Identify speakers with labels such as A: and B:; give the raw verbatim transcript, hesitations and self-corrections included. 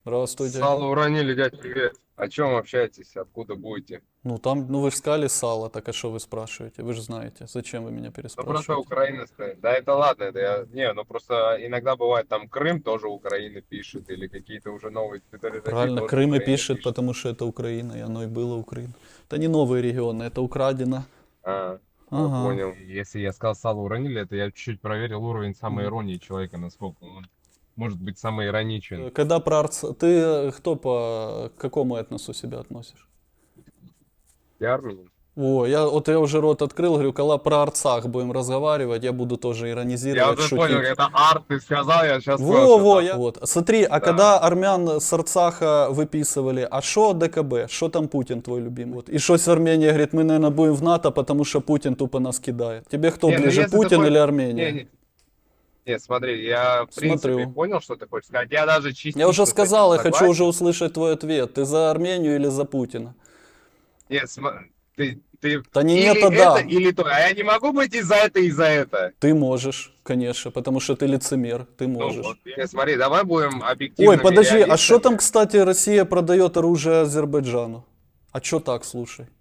A: Здравствуйте.
B: Сало уронили, дядь, привет. О чем общаетесь? Откуда будете?
A: Ну там, ну вы же сказали сало, так а что вы спрашиваете? Вы же знаете. Зачем вы меня
B: Ну, просто
A: переспрашиваете?
B: Украина стоит. Да, это ладно, это я... Не, ну просто иногда бывает, там Крым тоже Украина пишет, или какие-то уже новые территории России
A: Правильно,
B: тоже
A: Крым и
B: Украина
A: пишет,
B: пишет.
A: потому что это Украина, и оно и было Украина. Это не новые регионы, это украдено.
B: А, я
A: Ага.
B: понял.
C: Если я сказал сало уронили, это я чуть-чуть проверил уровень самой
A: Мгм.
C: иронии человека, насколько он может быть самый ироничен.
A: Когда про Арц... Ты э, кто по к какому этносу себя относишь?
B: Я армянин.
A: О, я, вот я уже рот открыл, говорю, когда про Арцах будем разговаривать, я буду тоже
B: Я
A: иронизировать,
B: уже понял,
A: шутить.
B: это арт, ты сказал, я сейчас понял,
A: Во,
B: что
A: во,
B: там.
A: я... Вот. Смотри, а
B: Да.
A: когда армян с Арцаха выписывали, а что ДКБ, что там Путин твой любимый? Вот. И что с Арменией, говорит, мы, наверное, будем в НАТО, потому что Путин тупо нас кидает. Тебе кто
B: Не, ну
A: ближе,
B: если
A: Путин
B: такой-
A: или Армения?
B: Не, не, не, смотри, я в принципе
A: Смотрю.
B: понял, что ты хочешь сказать. Я даже частично
A: Я уже
B: с этим
A: сказал, я хочу
B: согласен.
A: уже услышать твой ответ. Ты за Армению или за Путина?
B: Нет, см- ты, ты
A: Да не
B: или
A: нет, а
B: это,
A: да.
B: или то. А я не могу быть и за это, и за это.
A: Ты можешь, конечно, потому что ты лицемер, ты
B: Ну,
A: можешь.
B: вот, не, смотри, давай будем объективными
A: Ой, подожди, а что там,
B: реалистами.
A: кстати, Россия продает оружие Азербайджану? А что так, слушай?